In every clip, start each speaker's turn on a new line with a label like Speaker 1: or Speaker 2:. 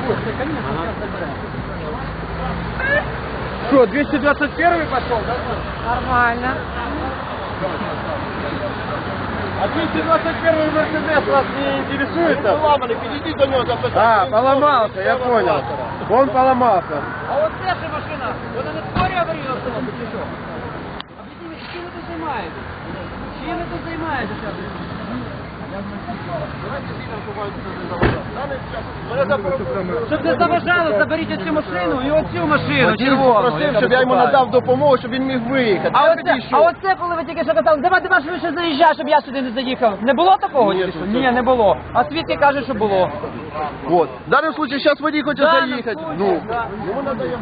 Speaker 1: Что, 221 пошел, да?
Speaker 2: Нормально.
Speaker 1: А 221 Мерседес вас не интересует?
Speaker 3: Поломанный, підійди до нього запитати.
Speaker 1: А, поломался, я понял. Он поломался.
Speaker 2: А от ця ж машина, вона не скорі аварійно автомобіль, чи що? Об'ясніть, чим ви тут займаєтесь? Чим ви тут займаєтеся? Щоб не заважало, заберіть цю машину і оцю машину червону.
Speaker 3: Просив, щоб я йому надав допомогу, щоб він міг виїхати.
Speaker 2: А оце, коли ви тільки що казали, давай швидше заїжджай, щоб я сюди не заїхав. Не було такого?
Speaker 3: Ні,
Speaker 2: чи що? Ні, не було. А свідки кажуть, що було.
Speaker 3: Вот. В даному випадку зараз водій хоче
Speaker 2: Да,
Speaker 3: заїхати.
Speaker 2: на
Speaker 3: Ну,
Speaker 2: случай, да.
Speaker 3: йому надаємо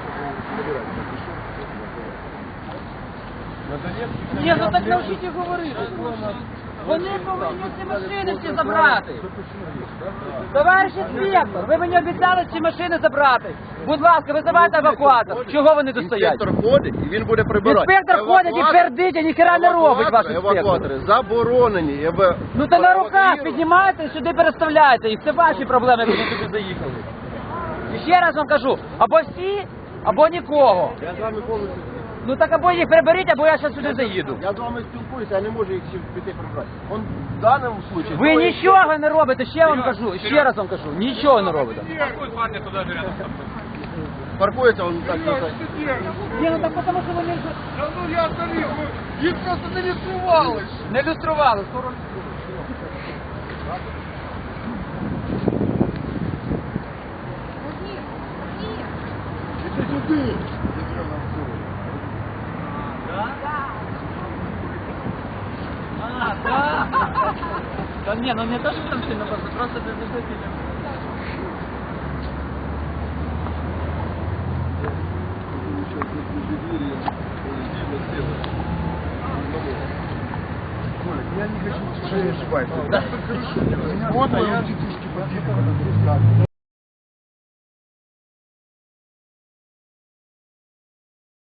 Speaker 2: Ні, ну так навчіть їх говорити. Вони повинні ці машини всі забрати. Товариш інспектор, ви мені обіцяли ці машини забрати. Будь ласка, визивайте евакуатор. Чого вони тут стоять?
Speaker 3: Інспектор ходить і він буде прибирати.
Speaker 2: Інспектор ходить і пердить, і ніхера не робить ваш інспектор.
Speaker 3: Евакуатори заборонені.
Speaker 2: Ну то на руках піднімаєте і сюди переставляєте. І це ваші проблеми, як вони туди заїхали. І ще раз вам кажу, або всі, або нікого.
Speaker 3: Я з вами повністю.
Speaker 2: Ну так або їх приберіть, або я зараз сюди заїду.
Speaker 3: Я з вами спілкуюся, я не можу їх всіх піти прибрати. Он в даному випадку...
Speaker 2: Ви нічого не робите, ще вам кажу, ще раз вам кажу, нічого не робите.
Speaker 3: Паркується, он так не
Speaker 2: Ні, ну так тому що вони вже
Speaker 1: Ну я старик, їх просто не відсували.
Speaker 2: не люстрували.
Speaker 1: Іди сюди.
Speaker 2: А, да? Да не, ну не то, что там сильно просто без запилим.
Speaker 1: Я не хочу, что я ошибаюсь.
Speaker 2: Да.
Speaker 1: Вот, а я...